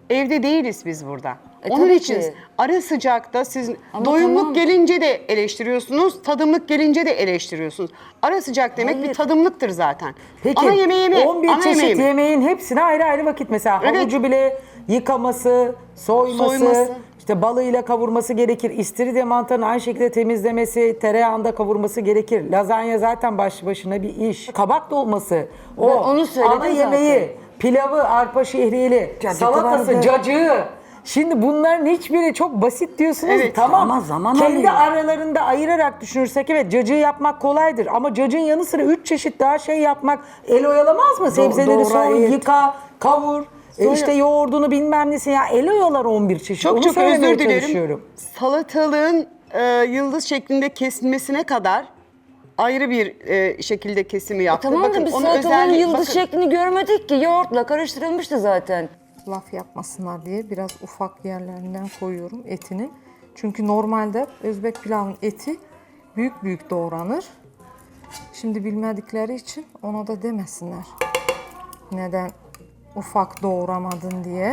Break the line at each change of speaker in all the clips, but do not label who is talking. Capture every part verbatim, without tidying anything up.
Evde değiliz biz burada.
E,
Onun
tabii
için
ki.
ara sıcakta siz
Ama
doyumluk
tamam.
gelince de eleştiriyorsunuz, tadımlık gelince de eleştiriyorsunuz. Ara sıcak demek bir
Hayır.
tadımlıktır zaten.
Peki
ana yemeği mi?
on bir
ana
çeşit
yemeği mi?
yemeğin hepsine ayrı ayrı vakit mesela
Evet.
havucu bile yıkaması, soyması,
Soyması.
işte balıyla kavurması gerekir. İstiridye mantarını aynı şekilde temizlemesi, tereyağında kavurması gerekir. Lazanya zaten başlı başına bir iş. Kabak dolması, o
Ben onu söyledim
ana yemeği,
zaten.
pilavı, arpa şehriyeli,
Cacık
salatası,
vardı.
cacığı. Şimdi bunların hiçbiri çok basit diyorsunuz.
Evet,
tamam.
ama zaman
Kendi
alıyor.
aralarında ayırarak düşünürsek evet cacığı yapmak kolaydır. Ama cacığın yanı sıra üç çeşit daha şey yapmak el oyalamaz mı? Sebzeleri
doğra,
soy,
evet.
yıka, kavur. E işte yoğurdunu bilmem nesi ya el oyalar on bir çeşit.
Çok
Onu
çok
söylemeye
özür dilerim.
çalışıyorum.
Salatalığın e, yıldız şeklinde kesilmesine kadar ayrı bir e, şekilde kesimi yaptı.
Tamam da biz
onun
salatalığın
özelliği-
yıldız
bakın,
şeklini görmedik ki. Yoğurtla karıştırılmıştı zaten.
Laf yapmasınlar diye biraz ufak yerlerinden koyuyorum etinin. Çünkü normalde Özbek pilavın eti büyük büyük doğranır. Şimdi bilmedikleri için ona da demesinler. Neden ufak doğramadın diye.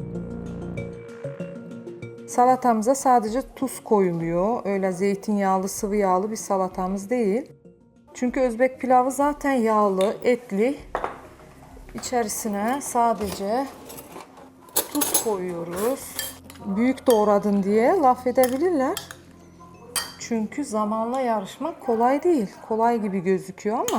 Salatamıza sadece tuz koyuluyor. Öyle zeytinyağlı, sıvı yağlı bir salatamız değil. Çünkü Özbek pilavı zaten yağlı, etli. İçerisine sadece tuz koyuyoruz. Büyük doğradın diye laf edebilirler. Çünkü zamanla yarışmak kolay değil. Kolay gibi gözüküyor ama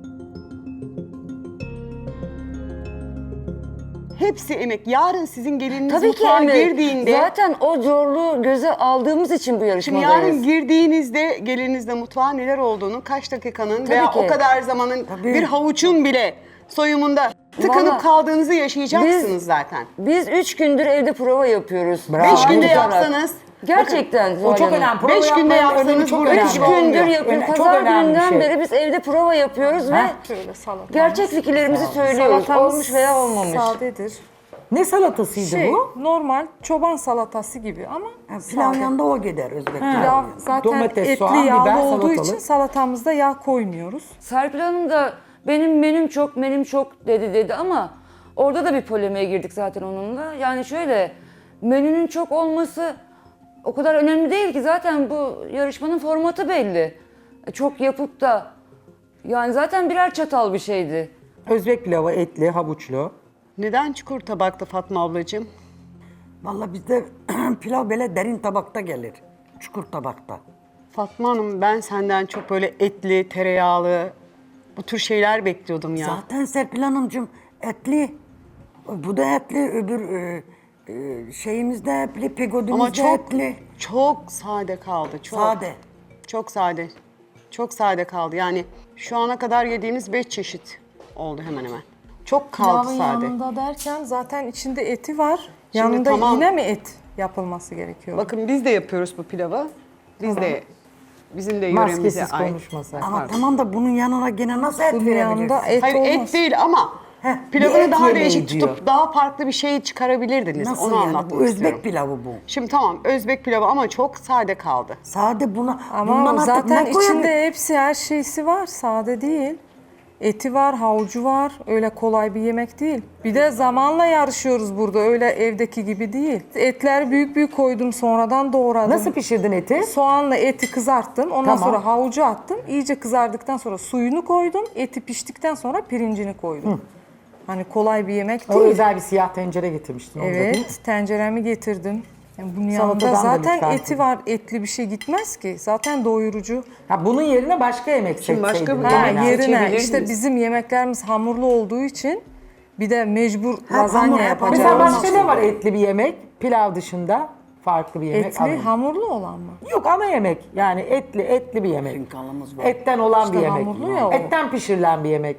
hepsi emek. Yarın sizin gelininiz
Tabii ki
mutfağa
emek.
girdiğinde...
Zaten o zorluğu göze aldığımız için bu
Şimdi
yarışmadayız.
yarın girdiğinizde gelinizde mutfağa neler olduğunu, kaç dakikanın veya
ki.
o kadar zamanın bir havuçun bile soyumunda tıkanıp
Vallahi
kaldığınızı yaşayacaksınız
biz-
zaten.
Biz üç gündür evde prova yapıyoruz.
Bravo.
Beş günde
Olarak.
yapsanız,
Gerçekten
O
Zuhal
çok
Hanım.
önemli. Prova
Beş günde
yapmanın önemi
yapsanız
çok
burada
önemli.
üç
Üç
Olmuyor.
gündür yapıyoruz.
Öne- çok
Pazar
önemli bir
gününden
şey.
beri biz evde prova yapıyoruz ve
şöyle salatamız.
gerçek fikirlerimizi söylüyoruz.
Salatamız
Olmuş veya olmamış.
sadedir.
Ne salatasıydı
Şey,
bu?
normal çoban salatası gibi ama
Pilav
sade.
yanında o gider Özbek
Pilav
pilavı.
zaten
Domates,
etli
soğan,
yağlı
biber,
olduğu
salatalık.
için salatamızda yağ koymuyoruz.
Serpil Hanım da benim menüm çok, menüm çok dedi dedi ama orada da bir polemiğe girdik zaten onunla. Yani şöyle, menünün çok olması o kadar önemli değil ki zaten bu yarışmanın formatı belli. Çok yapıp da yani zaten birer çatal bir şeydi.
Özbek pilavı etli, havuçlu.
Neden çukur tabakta Fatma ablacığım?
Vallahi bizde pilav böyle derin tabakta gelir. Çukur tabakta.
Fatma Hanım ben senden çok böyle etli, tereyağlı bu tür şeyler bekliyordum ya.
Zaten Serpil Hanımcığım etli. Bu da etli. Öbür e, e, şeyimiz de etli. Pegodumuz
Ama
da
çok
etli.
çok sade kaldı. Çok.
Sade.
Çok sade. Çok sade kaldı. Yani şu ana kadar yediğimiz beş çeşit oldu hemen hemen. Çok kaldı
Pilavın
sade.
yanında derken zaten içinde eti var.
Şimdi
yanında
tamam.
yine mi et yapılması gerekiyor?
Bakın biz de yapıyoruz bu pilavı. Biz de bizim de yöremize
Maskesiz
ait.
konuşmasak.
Ama tamam da bunun yanına gene nasıl et
Bunun yanında
verebilirsin?
et
Hayır
olmaz.
et değil ama
Heh, bir
pilavını
et
daha
yemeği
değişik
diyor.
tutup daha farklı bir şey çıkarabilirdiniz.
Nasıl
Onu
yani?
anlatmak
Bu Özbek
istiyorum.
pilavı bu.
Şimdi tamam Özbek pilavı ama çok sade kaldı.
Sade buna.
Ama
bundan artık
zaten
ne koyabilir?
içinde hepsi her şeysi var. Sade değil. Eti var, havucu var. Öyle kolay bir yemek değil. Bir de zamanla yarışıyoruz burada. Öyle evdeki gibi değil. Etleri büyük büyük koydum, sonradan doğradım.
Nasıl pişirdin eti?
Soğanla eti kızarttım. Ondan
Tamam.
sonra havucu attım. İyice kızardıktan sonra suyunu koydum. Eti piştikten sonra pirincini koydum. Hani kolay bir yemek
O
değil.
özel bir siyah tencere getirmiştin orada değil mi?
Evet, tenceremi getirdim. Yani bunun
Salatadan
yanında
da
zaten
lütfen.
eti var. Etli bir şey gitmez ki. Zaten doyurucu.
Ha, bunun yerine başka yemek
Şimdi başka
seçseydin.
bir-
Ha,
Yani
yerine
seçebilirdiniz.
işte bizim yemeklerimiz hamurlu olduğu için bir de mecbur
Ha,
lazanya
hamur,
yapacağız.
Mesela
Olmaz.
başka ne var etli bir yemek? Pilav dışında farklı bir yemek.
Etli
ana-
hamurlu olan mı?
Yok ana yemek. Yani etli etli bir yemek.
Finkalımız var.
Etten olan
İşte
bir yemek.
hamurlu ya o.
Etten pişirilen bir yemek.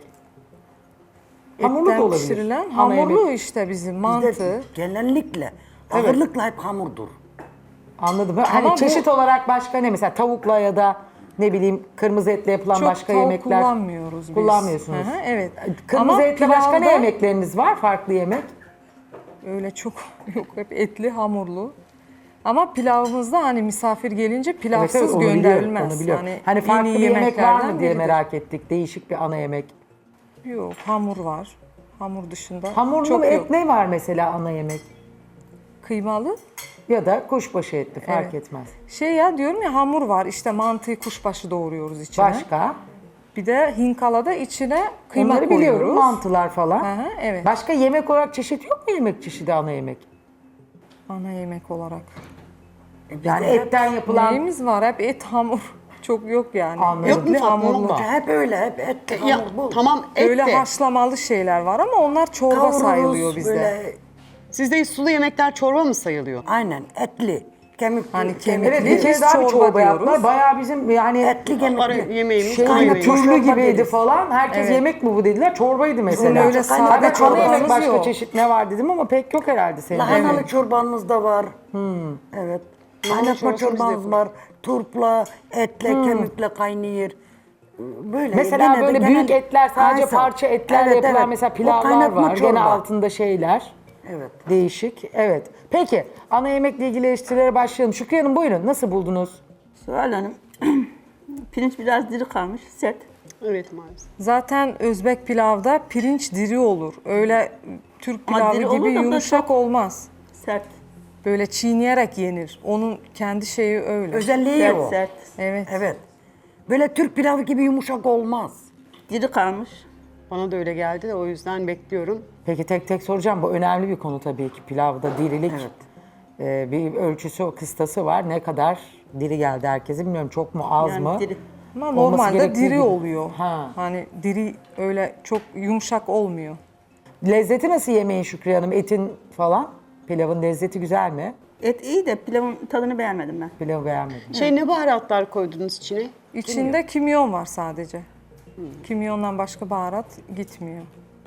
Hamurlu
Etten
da olabilir.
pişirilen
Ana
hamurlu
yemek.
işte bizim
Bizde
mantı.
genellikle ağırlıkla hep hamurdur.
Anladım. Hani
Ama bu-
çeşit olarak başka ne? Mesela tavukla ya da ne bileyim kırmızı etle yapılan
Çok
başka
tavuk
yemekler.
kullanmıyoruz biz.
Kullanmıyorsunuz.
Hı hı, evet.
Kırmızı
Ama
etle başka ne
pilavda
yemekleriniz var? Farklı yemek.
Öyle çok yok, hep etli hamurlu. Ama pilavımızda hani misafir gelince
Evet,
pilavsız
evet, onu biliyorum,
gönderilmez.
onu biliyorum.
Hani,
Hani
en
farklı
iyi
bir yemek var
yemeklerden
mı diye
biridir.
merak ettik. Değişik bir ana yemek.
Yok, hamur var. Hamur dışında
Hamurlu
çok
mu et
yok.
ne var mesela ana yemek?
Kıymalı.
Ya da kuşbaşı etli fark
Evet.
etmez.
Şey ya diyorum ya hamur var işte mantıyı kuşbaşı doğruyoruz içine.
Başka?
Bir de hinkalada içine kıyma
Onları
koyuyoruz.
biliyorum. Mantılar falan.
Hı hı, evet.
Başka yemek olarak çeşit yok mu yemek çeşidi ana yemek?
Ana yemek olarak.
Yani etten yapılan
Neyimiz var? Hep et hamur. Çok yok yani.
Anladım.
Yok mu
Etli
Fatma
hamurlu.
abla?
Hep öyle, hep et,
Ya
hamur bul.
tamam et
Öyle
de.
haşlamalı şeyler var ama onlar çorba
Kavururuz,
sayılıyor bizde.
böyle,
Sizde sulu yemekler çorba mı sayılıyor?
aynen etli, kemikli.
Hani kemikli.
evet bir kere
Biz
daha bir
çorba
çorba yaptılar.
diyoruz.
Bayağı bizim yani
Etli
Ara
kemikli.
yemeğimiz,
şey
ana
gibi
yemeğimiz.
türlü
Çorba
gibiydi
deriz.
falan. Herkes
Evet.
yemek mi bu dediler. Çorbaydı mesela.
öyle
Hadi
sade
ana yemek
çorbamız
başka
yok.
çeşit ne var dedim ama pek yok herhalde senin.
Lahanalı çorbamız da var. Evet. Kaynatma
çorbası biz de
çorbamız var. Turpla, etle, kemikle kaynıyor. Böyle.
Mesela
gene de
böyle
genel-
büyük etler sadece
Aynen.
parça etlerle
Evet,
yapılan
evet.
mesela
O
pilavlar
kaynatma
var. Gene
çorba.
altında şeyler.
Evet.
Değişik. Evet. Peki ana yemekle ilgili eleştirilere başlayalım. Şükriye Hanım buyurun. Nasıl buldunuz?
Suhal Hanım, pirinç biraz diri kalmış, sert.
Evet maalesef.
Zaten Özbek pilavda pirinç diri olur. Öyle Türk
Ama
pilavı
diri olur
gibi
da bu da
yumuşak
çok-
olmaz.
Sert,
Böyle çiğneyerek yenir. Onun kendi şeyi öyle.
Özelliği
sert,
o.
sert.
Evet.
Evet. Böyle Türk pilavı gibi yumuşak olmaz.
Diri kalmış.
Bana da öyle geldi de o yüzden bekliyorum.
Peki tek tek soracağım. Bu önemli bir konu tabii ki. Pilavda dirilik e, bir ölçüsü, kıstası var. Ne kadar diri geldi herkese bilmiyorum. Çok mu az
Yani
mı?
diri.
Ama
Olması
normalde
gerektiği
diri
gibi.
oluyor.
Ha.
Hani diri öyle çok yumuşak olmuyor.
Lezzeti nasıl yemeğin Şükriye Hanım? Etin falan? Pilavın lezzeti güzel mi?
Et iyi de pilavın tadını beğenmedim ben.
Pilavı beğenmedim.
Şey ne baharatlar koydunuz içine?
İçinde kimyon var sadece. Kimyondan başka baharat gitmiyor.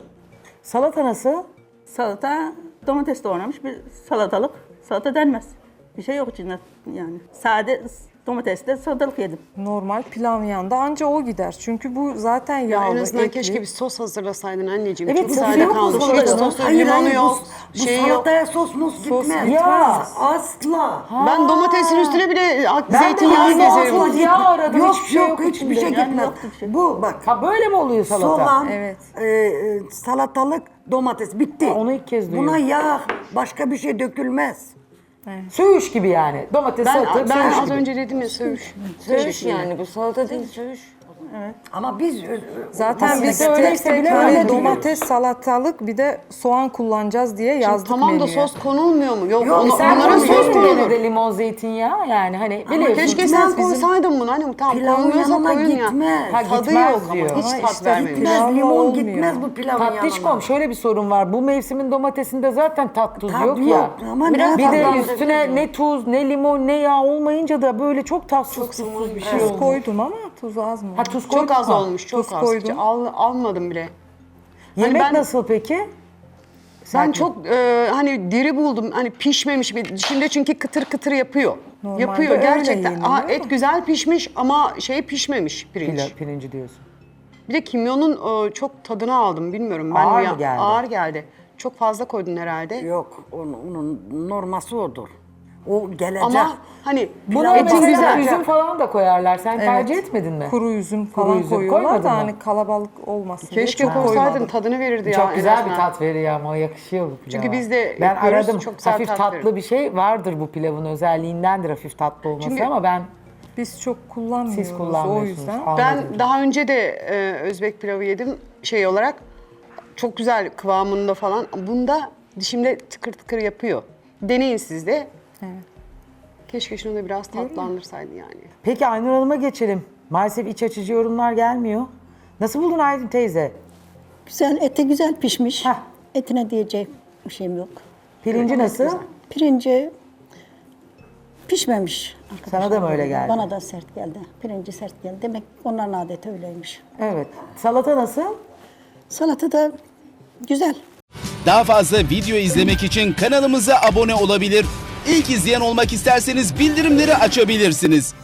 Salata nasıl?
Salata, domates doğramış bir salatalık. Salata denmez. Bir şey yok içinde yani. Sade domatesle salatalık yedim.
Normal pilav yanında anca o gider. Çünkü bu zaten
Ya
yağlı,
en azından
etli.
keşke bir sos hazırlasaydın anneciğim.
Evet,
Çok
sosu
sade
yok mu
kalmış. Hiç
salatanın?
sosu,
Hayır
limonu
hayır
yok,
bu, bu
şey yok.
salataya sos mus
Sos
gitmez.
gitmez.
Ya.
Asla.
Ben domatesin üstüne bile
Ben
zeytinyağı
de yazın
gezerim.
olsun yağ aradım.
Yok
hiçbir şey yok,
yok hiçbir şey
içinde.
gitmez. Bu bak.
Ha böyle mi oluyor salata?
Soğan,
Evet.
e, e, salatalık, domates bitti.
Ha, onu ilk kez
Buna
duyuyorum.
yağ, başka bir şey dökülmez.
Söğüş gibi yani. Domates,
Ben,
salatalık,
ben
söğüş
az
gibi.
önce dedim ya söğüş.
Söğüş yani bu salata değil söğüş.
Ama biz
Zaten
Ama
biz
bizde
tek
öyleyse
tek
bile
hani
öyle diyor.
domates, salatalık bir de soğan kullanacağız diye
Şimdi
yazdık
tamam da
menüye.
sos konulmuyor mu? Yok,
Yok,
onu,
Sen
onlara
koyuyorsun
sos
yine
konulur.
de limon, zeytinyağı yani hani biliyorsun.
Keşke
Biz-
sen
bizim-
koysaydın bunu. Hani tamam
Pilavın
konuluyorsa
yanına
koyun ya.
gitmez.
Ha,
Tadı
gitmez
yok
diyor.
ama hiç
Ama
tat
işte
vermemiş.
Pilavla
gitmez, limon
olmuyor.
gitmez bu pilavın yanına.
Tatlışkom şöyle bir sorun var. Bu mevsimin domatesinde zaten tat tuz
Tat
yok,
yok
ya.
ama
Biraz
ne
bir de
yapalım?
üstüne ne tuz, ne limon, ne yağ olmayınca da böyle çok tatsız tuzsuz bir şey
Tuz
oldu.
koydum ama tuz az mı?
Ha tuz koydun
Çok az
mu?
olmuş, çok
Tuz
az.
koydum.
Hiç Al, almadım bile.
Yemek
ben-
nasıl peki?
Ben çok e, hani diri buldum. Hani pişmemiş bir. Şimdi çünkü kıtır kıtır yapıyor.
Normalde
yapıyor
öyle
gerçekten.
yeniliyor
Aa,
ama.
et güzel pişmiş ama şey pişmemiş pirinç.
Pilav, pirinci diyorsun.
Bir de kimyonun e, çok tadını aldım bilmiyorum. Ben
Ağır
ya-
mı geldi?
Ağır geldi. Çok fazla koydun herhalde.
Yok, onun, onun norması odur. O gelecek.
Ama hani
Buna
etin
mesela
güzel.
üzüm falan da koyarlar. Sen
Evet.
tercih etmedin mi?
Kuru üzüm
Kuru
falan
üzüm
koyuyorlar
koymadın
da
mı?
hani kalabalık olmasın diye
Keşke
çok
koysaydın,
koymadım.
tadını verirdi ya.
Çok
en
güzel bir
azından.
tat veriyor ama o yakışıyor bu pilava.
Çünkü biz de
ben
yapıyoruz,
aradım.
çok güzel
Hafif
tat
tatlı
verir.
bir şey vardır bu pilavın özelliğindendir hafif tatlı olması
Çünkü-
ama ben
Biz çok kullanmıyoruz
siz
o
kullanmıyorsunuz.
yüzden.
Anladım.
Ben daha önce de e, Özbek pilavı yedim şey olarak. Çok güzel kıvamında falan. Bunda dişimde tıkır tıkır yapıyor. Deneyin siz de.
Evet.
Keşke şunu da biraz tatlandırsaydı yani.
Peki Aynur Hanım'a geçelim. Maalesef iç açıcı yorumlar gelmiyor. Nasıl buldun Aydın teyze?
Güzel, eti güzel pişmiş.
Heh.
Etine diyecek bir şeyim yok.
Pirinci nasıl?
Pirinci pişmemiş.
Sana da mı öyle geldi?
Bana da sert geldi. Pirinci sert geldi. Demek onların adeti öyleymiş.
Evet. Salata nasıl?
Salata da güzel.
Daha fazla video izlemek için kanalımıza abone olabilir. İlk izleyen olmak isterseniz bildirimleri açabilirsiniz.